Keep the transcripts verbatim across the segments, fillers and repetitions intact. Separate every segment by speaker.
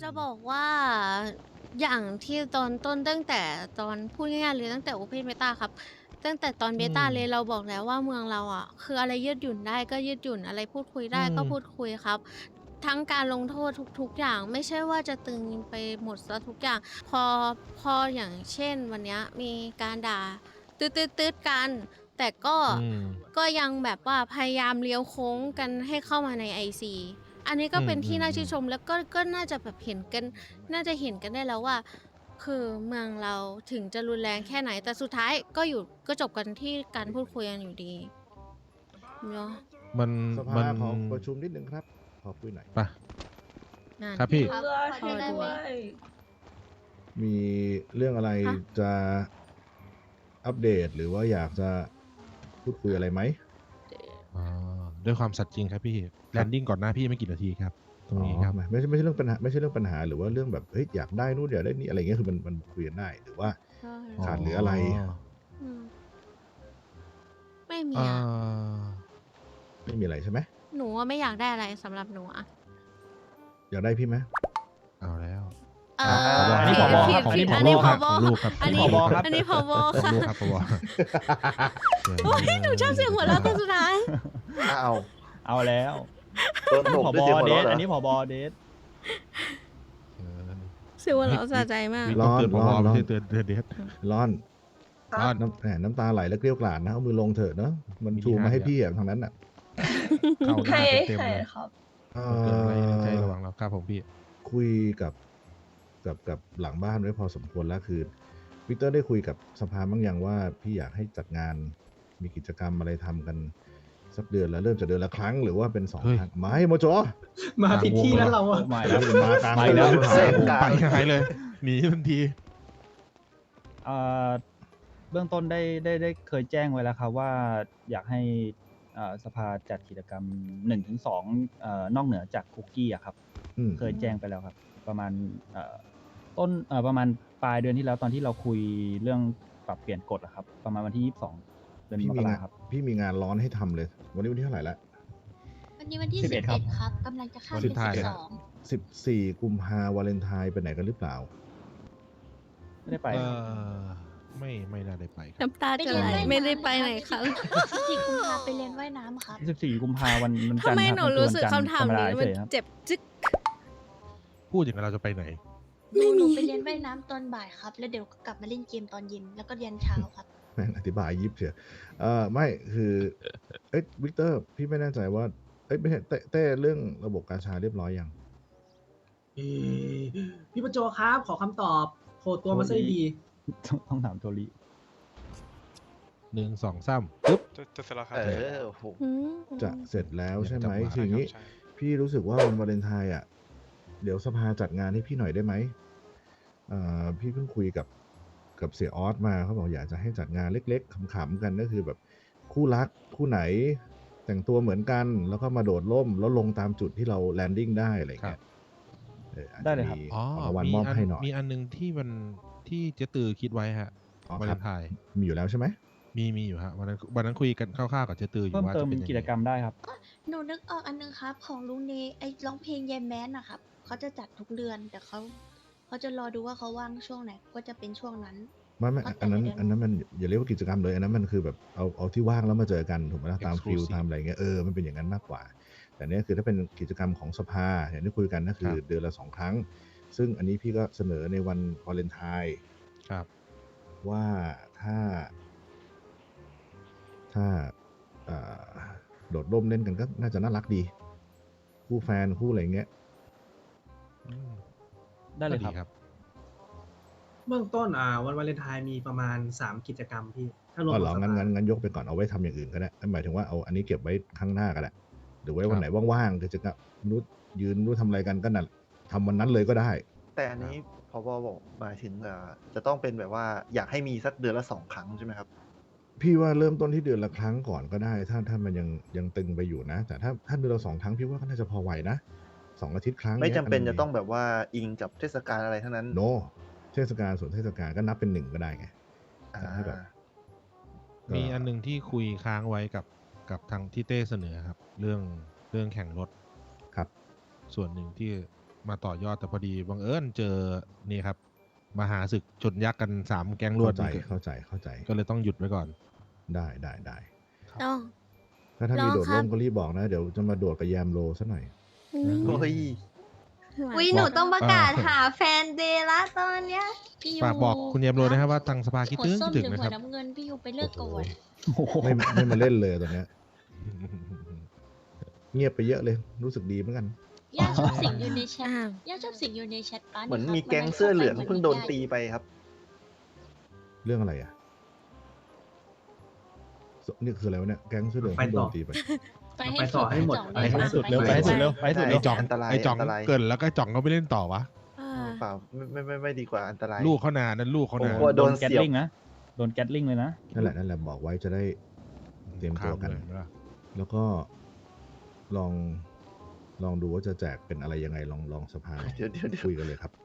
Speaker 1: จะบอกว่าอย่างที่ตอนต้นตั้งแต่ตอนพูดง่ายๆเลยตั้งแต่ Open Beta ครับตั้งแต่ตอน
Speaker 2: อื
Speaker 1: เบต้า
Speaker 2: ม
Speaker 1: เลยเราบอกแล้วว่าเมืองเราอะคืออะไรยืดหยุ่นได้ก็ยืดหยุ่นอะไรพูดคุย
Speaker 2: อื
Speaker 1: ได้ก็พูด
Speaker 2: ม
Speaker 1: คุยครับทั้งการลงโทษทุกๆอย่างไม่ใช่ว่าจะตึงไปหมดเสียทุกอย่างพอพออย่างเช่นวันเนี้ยมีการด่าตื๊ดๆๆกันแต่ก็
Speaker 2: อืม
Speaker 1: ก็ยังแบบว่าพยายามเลี้ยวโค้งกันให้เข้ามาใน ไอ ซี อันนี้
Speaker 2: อื
Speaker 1: ก็เป็นที่น่า
Speaker 2: ม
Speaker 1: ชื่นชม
Speaker 2: ๆ
Speaker 1: แล้วก็ก็น่าจะแบบเห็นกันน่าจะเห็นกันได้แล้วว่าคือเมืองเราถึงจะรุนแรงแค่ไหนแต่สุดท้ายก็อยู่ก็จบกันที่การพูดคุยกันอยู่ดีเนาะ
Speaker 2: ๆมัน
Speaker 3: สภา
Speaker 2: มัน
Speaker 3: ขอประชุมนิดนึงครับ ขอคุยหน่อย
Speaker 2: ไป
Speaker 1: นั่น
Speaker 2: ครับพี่
Speaker 4: เรือช่วย
Speaker 1: พอด้
Speaker 4: ด้
Speaker 1: ว
Speaker 4: วย ย
Speaker 3: มีเรื่องอะไร
Speaker 1: คะ
Speaker 3: จะอัปเดตหรือว่าอยากจะพูดคุยอะไรไหม
Speaker 2: อ๋อ ด้วยความสัตย์จริงครับพี่แลนดิ้งก่อนหน้าพี่ไม่กี่นาทีครับ ตรงนี้ครับ
Speaker 3: อ๋อไม่ใช่ไม่ใช่เรื่องปัญหาไม่ใช่เรื่องปัญหาหรือว่าเรื่องแบบเฮ้ยอยากได้นู่นอยากได้นี่อะไรเงี้ยคือมันมันคุยกันได้หรือว่า
Speaker 1: ใช่
Speaker 3: ขาดเหลืออะไร
Speaker 1: อืมไม่มี
Speaker 2: เอ่
Speaker 1: อะ
Speaker 2: อ
Speaker 3: ไม่มีอะไรใช่ไหม
Speaker 1: หนูอะไม่อยากได้อะไรสำหรับหนูอะ
Speaker 3: อยากได้พี่ไหม
Speaker 2: เอาแล้ว
Speaker 1: เอ
Speaker 2: อ่า
Speaker 1: อ
Speaker 2: อันนี้
Speaker 1: ผิ
Speaker 2: ผ
Speaker 1: ด
Speaker 2: บ
Speaker 1: ผิ
Speaker 2: ครั
Speaker 1: ด
Speaker 2: บของ
Speaker 1: ผิด
Speaker 2: ผ
Speaker 1: อัน
Speaker 2: บ
Speaker 1: นี้ผ
Speaker 2: ครับ
Speaker 1: บ
Speaker 2: ของลูกครับ
Speaker 1: อันนี้
Speaker 2: ของลูกครับ
Speaker 1: อันนี้ผบ
Speaker 2: ของ
Speaker 1: ค่ะ
Speaker 2: ลูกครับผบ
Speaker 1: โอ้ยหนูชอบเสียงหัวเราะตอนสุดท้าย
Speaker 5: อ้าว
Speaker 6: เอาแล้ว
Speaker 5: โดน
Speaker 6: อัน
Speaker 5: ต
Speaker 6: นี้
Speaker 5: บ
Speaker 6: ผ
Speaker 5: ด้วย
Speaker 6: บ
Speaker 5: เสียงหัว
Speaker 6: เด
Speaker 5: เราะ
Speaker 6: ท
Speaker 5: เหรอ
Speaker 6: อันนี้ผบเดท
Speaker 2: เออ
Speaker 1: เสียงหัวเราะสะใจมาก
Speaker 2: วิต้องเตือนผ
Speaker 3: ร้
Speaker 2: บ
Speaker 3: อนร้อน
Speaker 2: ไม่ใช่เตือนเตือนเดท
Speaker 3: ร้อน
Speaker 2: ร้อน
Speaker 3: น้ำแหมน้ำตาไหลแล้วเกลี้ยวกล่อมนะเอามือลงเถอะเนอะมัน
Speaker 2: มี
Speaker 3: ชูมาให้
Speaker 2: ที่
Speaker 3: พี่อะทางนั้นอ่ะ
Speaker 2: เข้าห
Speaker 4: ใคร
Speaker 2: น้าเต็ม
Speaker 4: ใคร
Speaker 2: ๆเลย
Speaker 4: ครับ
Speaker 3: เอ่
Speaker 2: มันเกิดอะไรในใจ
Speaker 3: อ
Speaker 2: ระหว่างเราครับผมพี่
Speaker 3: คุยกับกับกับหลังบ้านไว้พอสมควรแล้วคือวิกเตอร์ได้คุยกับสภาบ้างยังว่าพี่อยากให้จัดงานมีกิจกรรมอะไรทำกันสักเดือนละเริ่มจากเดือนละครั้งหรือว่าเป็นสอง
Speaker 2: เฮ้ย
Speaker 3: ครั้งไม่โมโจ
Speaker 7: มาผิดที่แล้วเราอะ
Speaker 6: มา
Speaker 3: แล้
Speaker 6: แล้ว ว
Speaker 3: มากลาง
Speaker 6: ไปแล้ว
Speaker 3: เดือน
Speaker 5: เส้น
Speaker 3: ผ่าน
Speaker 5: กลาง
Speaker 2: ไปหายเลยหนีทันที
Speaker 6: เอ่อเบื้องต้นได้ได้ได้เคยแจ้งไว้แล้วครับว่าอยากให้เอ่อสภาจัดกิจกรรมหนึ่งถึงสองเอ่อนอกเหนือจากคุกกี้อะครับ
Speaker 3: อืม
Speaker 6: เคยแจ้งไปแล้วครับ ประมาณเอ่อต้นเอ่อประมาณปลายเดือนที่แล้วตอนที่เราคุยเรื่องปรับเปลี่ยนกฎอะครับ ประมาณวันที่ยี่สิบสองเดือน
Speaker 3: พี่
Speaker 6: ม
Speaker 3: มี
Speaker 6: กราง
Speaker 3: าน
Speaker 6: ครับ
Speaker 3: พี่มีงานร้อนให้ทำเลย วันนี้วันที่เท่าไหร่ละ
Speaker 8: วันนี้วันที่
Speaker 6: สิ
Speaker 8: สิ
Speaker 6: บบ เอ็
Speaker 8: เอ็
Speaker 6: ด
Speaker 8: ด
Speaker 6: ครับ
Speaker 8: ครับกำลังจะข้าม
Speaker 2: วัน
Speaker 8: เป็น
Speaker 2: ท้าย
Speaker 8: สิบ
Speaker 2: ครั
Speaker 8: ส
Speaker 2: บ
Speaker 8: อง
Speaker 3: สิบสี่กุมภาวาเลนไทน์ไปไหนกันหรือเปล่า
Speaker 6: ไม่ได้ไป
Speaker 2: เอ
Speaker 6: ครับ
Speaker 2: อไม่ไม่น่าได้ไปครับ
Speaker 1: น้ำตาจะไหลไม่ได้ไปไหนครับ
Speaker 8: สิบสี่กุมภาไปเรียนว่ายน้ำครับ
Speaker 6: สิบสี่กุมภาวันวันจันท
Speaker 1: ทำ
Speaker 6: ร์
Speaker 1: ไม
Speaker 6: ครับ
Speaker 1: หนู
Speaker 6: มันคือ
Speaker 1: รู้
Speaker 6: วัน
Speaker 1: สึก
Speaker 6: จันทร์
Speaker 1: คำถาม
Speaker 6: ธรรมดา
Speaker 1: นี้
Speaker 6: เฉ
Speaker 1: มัน
Speaker 6: ยๆครับ
Speaker 1: เจ็บจึ๊ก
Speaker 2: พูดอย่างนั้นเราจะไปไหน
Speaker 8: หนูหนูไปเรียนว่ายน้ำตอนบ่ายครับ แล้วเดี๋ยวก็กลับมาเล่นเกมตอนเย็น แล้วก็เรียนเช้าครับ
Speaker 3: แม่งอธิบายยิบเชียวเอ่อไม่คือเอ้ยวิกเตอร์พี่ไม่แน่ใจว่าเอ้ยไม่ใช่เต้เต้เรื่องระบบกาชาเรียบร้อยยัง
Speaker 7: เอ่อพี่ประโจครับ ขอคำตอบโผล่ตัวมาซะดี
Speaker 6: ต้องต้องถามโทริ
Speaker 2: หนึ่งสองสามปึ๊บ
Speaker 9: จะจะเสร็จแล้วครับ
Speaker 5: เออโอ้โห
Speaker 1: อืม
Speaker 3: จะเสร็จแล้วใช่ไหม
Speaker 2: จังหวะ
Speaker 3: คืออย่างนี้
Speaker 9: ใช่ครับ
Speaker 3: พี่รู้สึกว่าวันวาเลนไทน์อ่ะ เดี๋ยวสภาจัดงานให้พี่หน่อยได้ไหมเอ่อพี่เพิ่งคุยกับกับเสียออสมาเขาบอกอยากจะให้จัดงานเล็กๆขำๆกันก็คือแบบคู่รักคู่ไหน แต่งตัวเหมือนกัน แล้วก็มาโดดร่มแล้วลงตามจุดที่เราแลนดิ้งได้อะไร
Speaker 2: ครั
Speaker 3: เงี้
Speaker 2: บ
Speaker 3: ยเอออาจ
Speaker 6: ได้
Speaker 3: จะ
Speaker 6: เลยครับ
Speaker 3: มี
Speaker 2: อ๋อ
Speaker 3: ของรางวัล
Speaker 2: มี
Speaker 3: มอบ
Speaker 2: อัน
Speaker 3: ให้หน่อย
Speaker 2: มีอันหนึงที่มันที่เจ๊ตือคิดไว้ฮะ
Speaker 3: อ๋อ
Speaker 2: วา
Speaker 3: ค
Speaker 2: เล
Speaker 3: รับ
Speaker 2: นไทน์
Speaker 3: มีอยู่แล้วใช่ไหม
Speaker 2: มีมีอยู่ฮะวันนั้นวันนั้นคุยกันคร่าวๆกับเจ๊ตืออยู่
Speaker 6: เพิ่ม
Speaker 2: ว่า
Speaker 6: เติ
Speaker 2: จะ
Speaker 6: ม
Speaker 2: เป็นยัง
Speaker 6: กิจ
Speaker 2: ไง
Speaker 6: กรรมได้ครับ
Speaker 8: หนูนึกออกอันนึงครับ ของลุงเนไอ้ร้องเพลงแยมแมนนะครับ เขาจะจัดทุกเดือน แต่เขาเขาจะรอดูว่าเขาว่างช่วงไหน ก็จะเป็นช่วงนั้น
Speaker 3: ไม่ไม่
Speaker 8: เขาแต่
Speaker 3: อันนั้น
Speaker 8: ละเดือน
Speaker 3: อันนั้นมันอย่าเรียกว่ากิจกรรมเลยอันนั้นมันคือแบบเอาเอาที่ว่างแล้วมาเจอกันถูกไหมล่ะตามฟิล
Speaker 2: Exclusive
Speaker 3: ตามอะไรเงี้ยเออมันเป็นอย่างนั้นมากกว่า แต่เนี้ยคือถ้าเป็นกิจกรรมของสภาอย่างที่คุยกันก็คือ
Speaker 2: ครับ
Speaker 3: เดือนละสองครั้ง ซึ่งอันนี้พี่ก็เสนอในวันวาเลนไทน์
Speaker 2: ครับ
Speaker 3: ว่าถ้า ถ้าเอ่อโดดร่มเล่นกันก็น่าจะน่ารักดี คู่แฟนคู่อะไรเงี้ย
Speaker 2: อืม
Speaker 6: ได้เลย
Speaker 2: ก็
Speaker 6: ครับ
Speaker 2: ครับ
Speaker 7: ๆ เบื้องต้นอ่าวันวาเลนไทน์มีประมาณสามกิจกรรมพี่ ถ้ารวม
Speaker 3: อ๋อ
Speaker 7: ข
Speaker 3: เหร
Speaker 7: อ
Speaker 3: อง
Speaker 7: ส
Speaker 3: งั้น
Speaker 7: ภา
Speaker 3: งั้นงั้นยกไปก่อนเอาไว้ทำอย่างอื่นก็ได้หมายถึงว่าเอาอันนี้เก็บไว้ข้างหน้าก็ได้หรือไว้วันไหนว่างๆกิจกรรมนู้ยืนนู้ทำอะไรกันก็นั่นทำวันนั้นเลยก็ได้
Speaker 5: แต่อันนี้พบบอกหมายถึงอ่าจะต้องเป็นแบบว่าอยากให้มีสักเดือนละสองครั้งใช่ไหมครับ
Speaker 3: พี่ว่าเริ่มต้นที่เดือนละครั้งก่อนก็ได้ ถ้าถ้ามันยังยังตึงไปอยู่นะ แต่ถ้าถ้าเดือนละสองครั้งพี่ว่าก็น่าจะพอไหวนะสองอาทิตย์ครั้ง
Speaker 5: ไม่จำเป็น
Speaker 3: ย
Speaker 5: จะต้องแบบว่าอิงกับเทศกาลอะไรทั้งนั้น
Speaker 3: โนเทศกาลส่วนเทศกาลก็นับเป็นหนึ่งก็ได้ไง
Speaker 5: อ่า
Speaker 3: แต่ถ้าแบบ ก็
Speaker 2: มีอันหนึงที่คุยค้างไว้กับกับทางที่เต้เสนอครับ เรื่องเรื่องแข่งรถ
Speaker 3: ครับ
Speaker 2: ส่วนหนึ่งที่มาต่อยอดแต่พอดีบังเอิญเจอนี่ครับมหาศึกชนยักษ์กันสามแก๊งรว
Speaker 3: เข้า
Speaker 2: ด
Speaker 3: ใจ
Speaker 2: นี่
Speaker 3: เข้าใจเข้าใจ
Speaker 2: ก็เลยต้องหยุดไว้ก่อน
Speaker 3: ได้ได้ได้
Speaker 1: ต้อง
Speaker 3: ถ้าถ้า
Speaker 1: ลอง
Speaker 3: มีโดด
Speaker 1: ครั
Speaker 3: ร่
Speaker 1: บ
Speaker 3: มก็รีบบอกนะ เดี๋ยวจะมาโดดกับแยมโลซะหน่อย
Speaker 5: โอ้ย
Speaker 8: อุ้ยหนูต้องประกาศ
Speaker 2: เออ
Speaker 8: หาแฟนเดย์ละตอนเนี้ย
Speaker 4: พี่ยู
Speaker 2: ฝากบอกคุณเยมโรนะครับว่าทางสภาคิด
Speaker 4: หัว
Speaker 2: ถึง
Speaker 4: ส้
Speaker 2: คิ
Speaker 4: ม
Speaker 2: ด
Speaker 4: ห
Speaker 2: ถึ
Speaker 4: รื
Speaker 2: ง
Speaker 4: อ
Speaker 2: นะ
Speaker 4: หั
Speaker 2: คว รับ
Speaker 4: น้ำเงินพี่ยูไปเลือกก่อน
Speaker 6: โอ้โห
Speaker 3: ไม่ไม่มาเล่นเลยตอนเนี้ย เงียบไปเยอะเลย รู้สึกดีเหมือนกัน
Speaker 4: ย่าชอบสิ่งอยู่ในแชท
Speaker 1: อ้าว
Speaker 4: ย่าชอบสิ่งอยู่ในแชทป้า
Speaker 5: เหมือน
Speaker 4: ครับ
Speaker 5: มีแก๊ง
Speaker 4: วันนั้น
Speaker 5: เสื้อเหลือง
Speaker 4: ข้าไป
Speaker 5: เพิ่งโดน
Speaker 4: หมือ
Speaker 5: ตีไปครับ
Speaker 3: เรื่องอะไรอ่ะสนี่คืออะไรวะเนี่ย แก๊งเสื้อเหลือง
Speaker 7: ไป
Speaker 3: เพิ่งโด
Speaker 7: ต่อ
Speaker 3: นตีไป
Speaker 4: ไปให้
Speaker 7: ไปต่อให้หมด
Speaker 4: จ่อง
Speaker 7: ไป
Speaker 4: เลย
Speaker 7: ให้
Speaker 4: ครับ
Speaker 7: สุด
Speaker 6: เร็วไปให้สุดเร็วไปให้สุด
Speaker 5: ได้
Speaker 6: เร็
Speaker 2: ไอ้
Speaker 6: ว
Speaker 2: จ่อง
Speaker 5: อันตราย
Speaker 2: ไอ้จ่อง
Speaker 5: อันตราย
Speaker 2: เกินแล้วก็ไอ้จ่องก็ไม่เล่นต่อวะ
Speaker 1: เออ
Speaker 5: เปล่าไม่ไม่ไม่ไม่ดีกว่าอันตราย
Speaker 2: ลูกเขานานนั่นลูกเขา
Speaker 5: ผม
Speaker 2: นาน
Speaker 5: กลัว
Speaker 6: โด
Speaker 5: โด
Speaker 6: น
Speaker 5: น
Speaker 6: แก๊ส
Speaker 5: เสียบ
Speaker 6: ลิงนะโดนแก๊สลิงเลยนะ
Speaker 3: นั่นแหละนั่นแหละบอกไว้จะได้เตรียมตัวกัน
Speaker 2: ข้ามเลยนะ
Speaker 3: แล้วก็ลองลองดูว่าจะแจกเป็นอะไรยังไงลองลองสภา
Speaker 5: เดี๋ยวเดี๋ยวเดี๋ยว
Speaker 3: คุยกันเลยครับ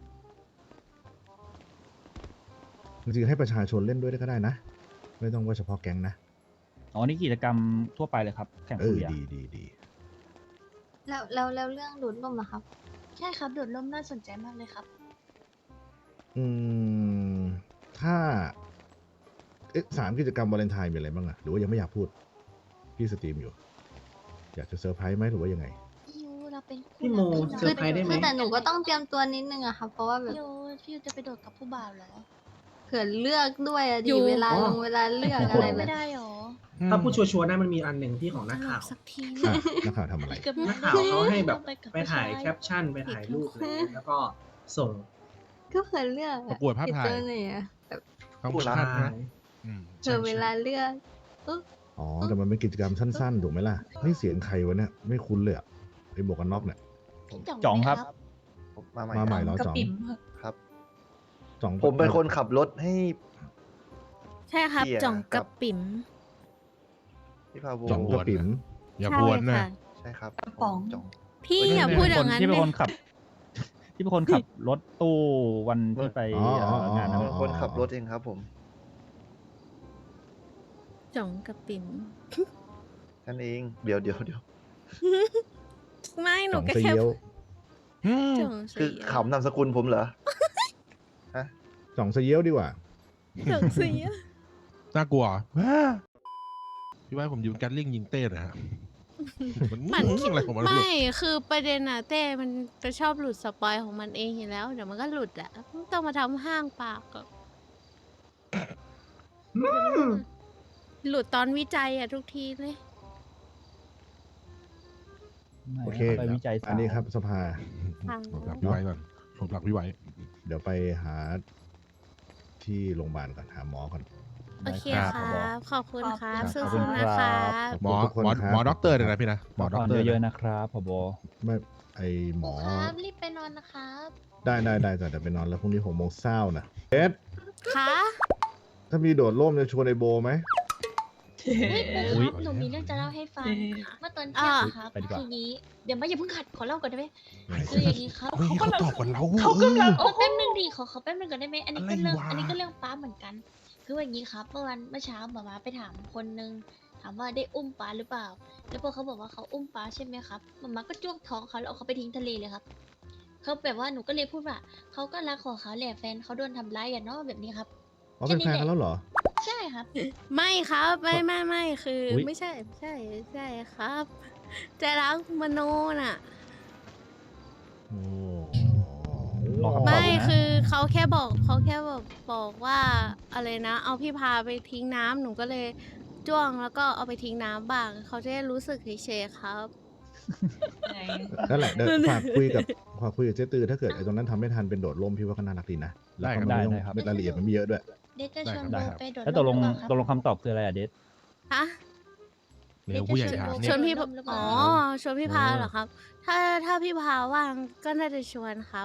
Speaker 3: จริงๆให้ประชาชนเล่นด้วยก็ได้นะ ไม่ต้องว่าเฉพาะแก๊งนะ
Speaker 6: อ๋อนี่กิจกรรมทั่วไปเลยครับ แข่ง
Speaker 3: เอ
Speaker 6: คุ
Speaker 3: อย
Speaker 6: อะ
Speaker 3: ดีดีดี
Speaker 8: แล้วแล้วแล้วเรื่องดูดลมอะครับ
Speaker 4: ใช่ครับโดดร่มน่าสนใจมากเลยครับ
Speaker 3: อืม ถ้า เอ๊ะสามกิจกรรมวาเลนไทน์มีอะไรบ้างอะหรือว่ายังไม่อยากพูด พี่สตรีมอยู่ อยากจะเซอร์ไพรส์ไหมหรือว่ายังไง
Speaker 4: พี่ยูเราเป็นคู่
Speaker 7: พี่โม
Speaker 4: รัก
Speaker 7: เซอร์ไพรส์ได้ไหม
Speaker 8: คือแต่หนูก็ต้องเตรียมตัวนิดนึงอะค่ะ เพราะว่าแบบ
Speaker 4: พี่ยูพี่ยูจะไปโดดกับผู้บ่าวเหรอ
Speaker 8: เผื่อเลือกด้วยอะ
Speaker 1: อ
Speaker 8: ดี
Speaker 1: ยู่
Speaker 8: เวลา
Speaker 7: อ๋อ
Speaker 8: ลงเวลาเลือก
Speaker 7: โอ้โห
Speaker 8: อะไรแบ
Speaker 4: ไม่
Speaker 8: บ
Speaker 4: ได้หรอ
Speaker 7: ถ้าพูดชัวร์ๆนะมันมีอันหนึ่งที่ของนักข่าว
Speaker 1: สักที
Speaker 3: อ่ะนักข่าวทำอะไร
Speaker 4: เกือบ
Speaker 7: นักข่าวเขาให้แบบ
Speaker 4: ไปกับ
Speaker 7: ไปถ่าย
Speaker 4: ผู้ช
Speaker 7: แคปชั่นไปถ่ายรูปอะไรเงี้ยแล้วก็ส่ง
Speaker 8: ก็เผื่อเลือก
Speaker 2: ประกวดภาพถ่าย
Speaker 8: ผิดตัวไหนอะแบบ
Speaker 2: ต้อง
Speaker 5: พูด
Speaker 2: พลาดนะอืม
Speaker 8: เผื่อเวลาเลือก
Speaker 3: อ๋อ แต่มันเป็นกิจกรรมสั้นๆ ถูกไหมล่ะเฮ้ยเสียงใครวะเนี่ย ไม่คุ้นเลยอะไอ้หมวกกันน็อกเนี่ย
Speaker 4: พี่จ่อง
Speaker 6: จ่อง
Speaker 4: ไหม
Speaker 6: ครับ
Speaker 5: ผมมาใหม่
Speaker 3: มาใหม่
Speaker 5: ค
Speaker 3: แล้
Speaker 5: รับ
Speaker 3: วจ่อง
Speaker 5: ครับ
Speaker 3: จ่อง
Speaker 5: ผมเป็นคนขับรถให้
Speaker 1: ใช่ครับ
Speaker 5: เสีย
Speaker 1: จ่อง
Speaker 5: กั
Speaker 1: กับบ ปิ๋ม
Speaker 5: พี่พาโว
Speaker 3: จ่องกระปิ๋ม
Speaker 2: อย่า
Speaker 1: ใช่
Speaker 2: พวนนะ
Speaker 1: ค่ะ
Speaker 5: ใช่ครับ
Speaker 4: กระป๋อง
Speaker 5: จ่อง
Speaker 1: พี่
Speaker 2: เฮ้ย
Speaker 1: อย่า
Speaker 2: เนี่ย
Speaker 1: พูดอ
Speaker 6: ค
Speaker 1: ย่าน งนั้น
Speaker 6: ที่เป็น
Speaker 1: เล
Speaker 6: คน
Speaker 1: ย
Speaker 6: ขับ ที่เป็นคนขับรถตู้วันที่ไป
Speaker 3: อ๋ออ๋อ
Speaker 6: เอ่องาน
Speaker 3: อ๋
Speaker 6: นะ
Speaker 3: อ
Speaker 5: เป็นคนขับรถเองครับผม
Speaker 1: จ่องกับปิ๋ม
Speaker 5: นั่นเอง เดี๋ยวเดี๋ยวเดี๋ยว
Speaker 1: ไม่หนู
Speaker 3: จ่อง
Speaker 1: ก็
Speaker 3: เสี
Speaker 1: แค่
Speaker 3: ยว
Speaker 2: อืม
Speaker 1: จ่อง
Speaker 5: คือ
Speaker 1: เสีย
Speaker 5: ขำนามสกุลผมเหรอ ฮะ
Speaker 3: จ่องเสียวดีกว่า
Speaker 1: จ่องเสีย
Speaker 2: น่ากลัวพี่ว่าผมอยู่แกนลิงยิงเต้นะฮะมัน
Speaker 1: มัน
Speaker 2: อะไรของมันไม่รู้
Speaker 1: ไม่คือประเด็นอะเต้มันจะชอบหลุดสปอยของมันเองอยู่แล้ว เดี๋ยวมันก็หลุดอะไม่ต้องมาทำห้างปากอะหลุดตอนวิจัยอะทุกทีเลย
Speaker 6: ไม่
Speaker 3: โอเค
Speaker 6: ไปวิจัยสาว
Speaker 3: อันนี้ครับสภา
Speaker 1: ค่ะ
Speaker 2: ผมหลับพี่ไว้ก่อนผมหลับพี่ไว้
Speaker 3: เดี๋ยวไปหาที่โรงพยาบาลก่อนหาหมอก่อน
Speaker 1: โอเค
Speaker 2: ครับ
Speaker 1: ครับ ขอบคุณครับ
Speaker 3: ขอบ
Speaker 1: สู้
Speaker 3: คุณ
Speaker 1: ๆ
Speaker 3: ครับ
Speaker 1: นะครับ
Speaker 2: หมอ
Speaker 3: ขอบคุณ
Speaker 2: หมอ
Speaker 3: ทุกคนครับ
Speaker 2: หมอด็อกเตอร์เนี่ยนะพี่นะหมอ
Speaker 6: พัก
Speaker 2: ด็อก
Speaker 6: ผ่อน
Speaker 2: เตอร์
Speaker 6: เยอะ
Speaker 2: นะ
Speaker 6: ๆนะครับผบ
Speaker 3: ไม่ไอหมอ
Speaker 4: ครับรีบไปนอนนะครับ
Speaker 3: ได้ได้ได้แต่แต่ไปนอนแล้วพรุ่งนี้หกโมงเช้านะเอ็ด
Speaker 1: คะ
Speaker 3: ถ้ามีโดดร่มจะชวนไอโบไหม
Speaker 4: เฮ้ย
Speaker 6: อุ๊
Speaker 4: ปู
Speaker 6: ย
Speaker 4: ครับหนูมีเรื่องจะเล่าให้ฟัง เมื่อตอนเที่ยงครับ
Speaker 6: ไปดีกว่า
Speaker 4: คืองี้ เดี๋ยวไม่อย่าเพิ่งขัดขอเล่าก่อนได้ไหม
Speaker 3: ไหน
Speaker 4: คืออย่างนี้ครับ
Speaker 2: เฮ้ยเขาตอบก่อนเรา
Speaker 4: เขากำลัง
Speaker 2: เอ
Speaker 4: โอ้
Speaker 2: อ
Speaker 4: แป๊บนึงดิขอขอแป๊บนึงก่อนได้ไหมอันนี้ก็เรื่อง
Speaker 2: อะไรวะ
Speaker 4: อันนี้ก็เรื่องป้าเหมือนกัน คือว่าอย่างนี้ครับเมื่อวันเมื่อเช้าหมามาไปถามคนนึงถามว่าได้อุ้มป้าหรือเปล่า แล้วพอเขาบอกว่าเขาอุ้มป้าใช่ไหมครับหมามาก็จ้วงท้องเขาแล้วเอาเขาไปทิ้งทะเลเลยครับเขาแบบว่าหนูก็เลยพูดว่าเขาก็รักของเขาแหละแฟนเขาโดนทำร้ายอ่ะเนาะแบบนี้ครับ
Speaker 3: อ๋อเป็นแฟนกันแล้วเหรอ
Speaker 4: ใช่ครับ
Speaker 1: ไม่ครับไม่ไม่ไม่คืออย ไม่ใช่ไม่ใช่ไม่ใช่ครับใจรักมโนน่ะ
Speaker 3: โอ้
Speaker 6: รอคำตอบ
Speaker 1: ไม่
Speaker 6: อยู่นะ
Speaker 1: คือเขาแค่บอกเขาแค่บอกบอกว่าอะไรนะ เอาพี่พาไปทิ้งน้ำหนูก็เลยจ้วงแล้วก็เอาไปทิ้งน้ำบ้างเขาจะได้รู้สึกเฉยๆครับ
Speaker 3: นั่นแหละเดี๋ยวฝากคุยกับฝากคุยกับเจ๊ตือถ้าเกิดไอ้ตรงนั้นทำไม่ทันเป็นโดดร่มพี่ว่าก็น่ารักดีนะแล้วก็
Speaker 6: ได้
Speaker 3: ไม่ต้อง
Speaker 6: ได้ครับ
Speaker 3: รายละเอียดมันไม่เยอะด้วย
Speaker 4: เดทจะชวน
Speaker 2: ได้
Speaker 4: โบ
Speaker 2: ครับ
Speaker 4: ไปโดด
Speaker 6: แล้วตกลง
Speaker 4: ร่มหรือเปาครับ
Speaker 6: ตกลงคำตอบคืออะไรอะเดท
Speaker 1: ฮะ
Speaker 2: เร็วผู้ใหญ่ถาม
Speaker 1: ช
Speaker 2: เนี่
Speaker 1: วย นพี่
Speaker 4: โดดร่มหรือเปล่า
Speaker 1: อ๋อชวนพี่พาเหรอครับ ถ้าถ้าพี่พาว่างก็น่าจะชวนครับ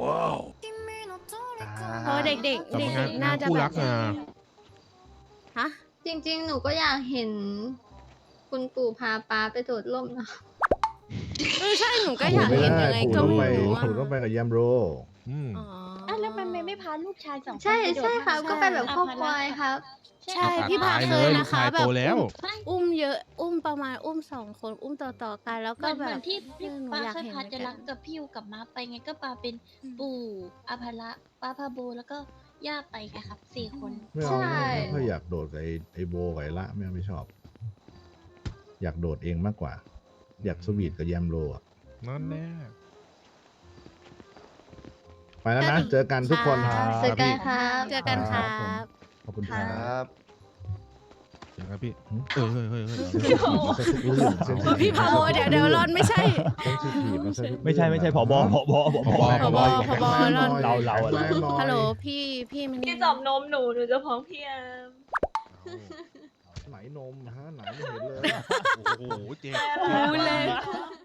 Speaker 1: เพราะว่าเด็กๆเด็ก
Speaker 2: แต่งาน
Speaker 1: ๆน่าจะ
Speaker 2: คู่
Speaker 1: แบ
Speaker 2: รับ กนะ
Speaker 1: ฮะ
Speaker 8: จริง ๆ หนูก็อยากเห็น คุณปู่พาป้าไปโดดร่มนะ
Speaker 1: เออใช่หนูก็
Speaker 3: ปู่
Speaker 1: อยาก
Speaker 3: ไม่
Speaker 1: เห็น
Speaker 3: ได้
Speaker 1: ยังไง
Speaker 3: ปู่
Speaker 1: ก็
Speaker 3: ต้อง
Speaker 1: ไม่
Speaker 3: ไป
Speaker 1: รู้อะ
Speaker 3: ปู่ต้องไปกับแยมโร
Speaker 2: อืม
Speaker 1: อ๋อ
Speaker 8: อ่ะแล้วมันไม่ไม่พาลูกชายสองคน
Speaker 9: ใช่
Speaker 8: ไปโดด
Speaker 9: ใช่ครับ
Speaker 8: น้ำ
Speaker 9: ก็ไปแบบครอบครัว
Speaker 8: ภาะ
Speaker 9: ครับ
Speaker 8: ใช่
Speaker 1: ใช่
Speaker 8: ครับ
Speaker 1: พี่พา
Speaker 2: ตาย
Speaker 1: เค
Speaker 2: เลย ย
Speaker 1: นะ
Speaker 2: ลูก
Speaker 1: คะ
Speaker 2: ชาย
Speaker 1: แบ
Speaker 2: โต
Speaker 1: บ
Speaker 2: แล้ว
Speaker 1: อุ้มอุ้มเยอะ อุ้มประมาณอุ้มสองคนอุ้มต่อๆกันแล้ว
Speaker 8: เห
Speaker 1: ก็
Speaker 8: มือน
Speaker 1: แบ
Speaker 8: เหมือบ นที่ที่
Speaker 1: เออหนู
Speaker 8: ป้า
Speaker 1: อยาก
Speaker 8: เคย
Speaker 1: เห็น
Speaker 8: พา
Speaker 1: เหมือน
Speaker 8: จะ
Speaker 1: กั
Speaker 8: รั
Speaker 1: น
Speaker 8: กกับพี่ยูกับม้าไปไงก็ปาเป็น
Speaker 1: อืม
Speaker 8: ปู่อาภาระป้าพาโบแล้วก็ย่าไปไงครับสี่คน
Speaker 3: ไม่เอา
Speaker 9: ใช่
Speaker 3: ไม่ไม่ค่อยอยากโดดกับไอ้ไอ้โบกับไอ้ละไม่เอาไม่ชอบ อยากโดดเองมากกว่า อยากสวีทกับแยมโรอ่ะ
Speaker 2: นั่นแน่
Speaker 3: ไปแล้วนะ
Speaker 1: ก็ดี
Speaker 3: เจอกันทุกคน
Speaker 1: ค่ะ
Speaker 9: เจอกันครับ
Speaker 1: เจอกันครั
Speaker 6: ครับ
Speaker 1: บ
Speaker 3: ขอบคุณค
Speaker 6: ค
Speaker 3: รั
Speaker 6: รับ บ
Speaker 2: เดี๋ยวครับพี่
Speaker 3: หืม
Speaker 2: เฮ้ยเฮ้ยเฮ้ยเฮ้ย
Speaker 3: เซนซิทีฟซะทุกเรื่องเซนซิทีฟ
Speaker 1: พี่พาโบเดี๋ยวเดี๋ยวรอนไม่ใช่
Speaker 3: เซนซิทีฟซะทุกเรื่อง
Speaker 6: ไม่ใช่ไม่ใช่ผบผบผบ
Speaker 2: ผบ
Speaker 1: ผบผบ
Speaker 6: เราเราอะ
Speaker 3: แรงน้อย
Speaker 1: ฮัลโหลพี่พี่มัน
Speaker 9: พี่จอบนมหนู หนูจะพ้องพี่แอม
Speaker 3: ไหนนมฮะไหนไม่เห็นเลย
Speaker 2: โอ้โหเจ๊
Speaker 1: รู้เลย
Speaker 9: แอม